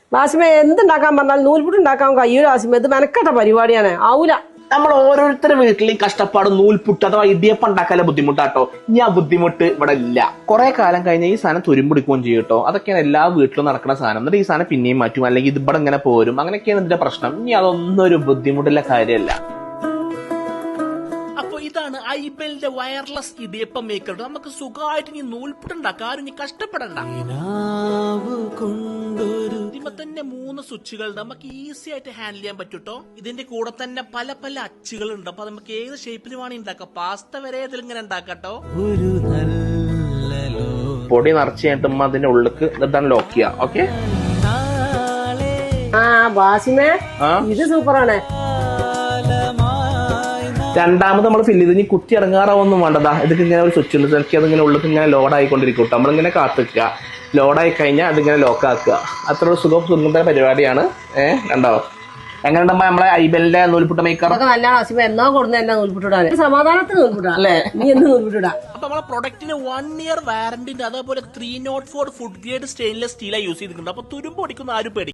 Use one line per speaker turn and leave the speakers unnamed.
വാസിമ എന്തുണ്ടാക്കാൻ പറഞ്ഞാൽ നൂൽപുട്ട് ഉണ്ടാക്കാൻ കഴിയൂല വാസിമ. ഇത് മെനക്കെട്ട പരിപാടിയാണ്, ആവൂല.
നമ്മൾ ഓരോരുത്തരുടെ വീട്ടിലെയും കഷ്ടപ്പാട് നൂൽപുട്ട് അഥവാ ഇടിയപ്പം ഉണ്ടാക്കാനുള്ള ബുദ്ധിമുട്ടാട്ടോ. ഇനി ആ ബുദ്ധിമുട്ട് ഇവിടെ ഇല്ല. കുറെ കാലം കഴിഞ്ഞ ഈ സാധനം തുരുമ്പിടിക്കുകയും ചെയ്യും കേട്ടോ. അതൊക്കെയാണ് എല്ലാ വീട്ടിലും നടക്കുന്ന സാധനം. എന്നിട്ട് ഈ സാധനം പിന്നെയും മാറ്റും, അല്ലെങ്കിൽ ഇത് ഇവിടെ ഇങ്ങനെ പോരും. അങ്ങനെയൊക്കെയാണ് ഇതിന്റെ പ്രശ്നം. ഇനി അതൊന്നും ഒരു ബുദ്ധിമുട്ടുള്ള കാര്യമല്ല.
ഇതാണ് ഐബെലിന്റെ വയർലെസ് ഇടിയപ്പം മേക്കർ. നമുക്ക് സുഖമായിട്ട് ഇനി നൂൽപുട്ടുണ്ടാക്കാം, ആരും ഇനി കഷ്ടപ്പെടണ്ട. ഇതിമ തന്നെ 3 സ്വിച്ചുകൾ നമുക്ക് ഈസി ആയിട്ട് ഹാൻഡിൽ ചെയ്യാൻ പറ്റൂട്ടോ. ഇതിന്റെ കൂടെ തന്നെ പല പല അച്ചുകൾ ഉണ്ട്. അപ്പൊ നമുക്ക് ഏത് ഷേപ്പിൽ വേണമെങ്കിൽ ഉണ്ടാക്കാം. പാസ്ത വരെ ഇതിൽ ഇങ്ങനെ ഉണ്ടാക്കാട്ടോ.
പൊടി നിറച്ച് കഴിഞ്ഞിട്ട് അതിന്റെ ഉള്ളിക്ക് ഇതാണ് ലോക്ക് ചെയ്യാം. ഓക്കെ,
വാസിമേ ഇത് സൂപ്പറാണ്.
രണ്ടാമത് നമ്മൾ ഫില്ല് ചെയ്ത് ഇനി കുത്തി ഇറങ്ങാറാവൊന്നും വേണ്ടതാ. ഇതൊക്കെ ഇങ്ങനെ ഒരു സ്വിച്ച് ഉണ്ട്, എനിക്ക് അതിങ്ങനെ ഉള്ളിൽ ഇങ്ങനെ ലോഡ് ആയിക്കൊണ്ടിരിക്കും. നമ്മളിങ്ങനെ കാത്തിക്കുക, ലോഡായി കഴിഞ്ഞാൽ അതിങ്ങനെ ലോക്ക് ആക്കുക. അത്ര ഒരു സുഖം പരിപാടിയാണ്. കണ്ടോ എങ്ങനെയുണ്ടമ്മ നമ്മളെ ഐബെലിന്റെ നൂൽപുട്ട മേക്കർ?
നല്ല വാസിമ എന്നോ കൊടുന്ന നൂൽപുട്ടിടാൻ സമാധാനത്തിന് നൂൽപുട്ടാ അല്ലേ? നീ എന്ന് നൂൽപുട്ടിടാ.
അപ്പൊ നമ്മളെ പ്രൊഡക്റ്റിന് 1 year വാറന്റിന്റെ അതേപോലെ 304 ഫുഡ് ഗ്രേഡ് സ്റ്റെയിൻലെസ് സ്റ്റീലാണ് യൂസ് ചെയ്തിട്ടുണ്ട്. അപ്പൊ തുരുമ്പ് പൊടിക്കുന്ന ആരും പേടി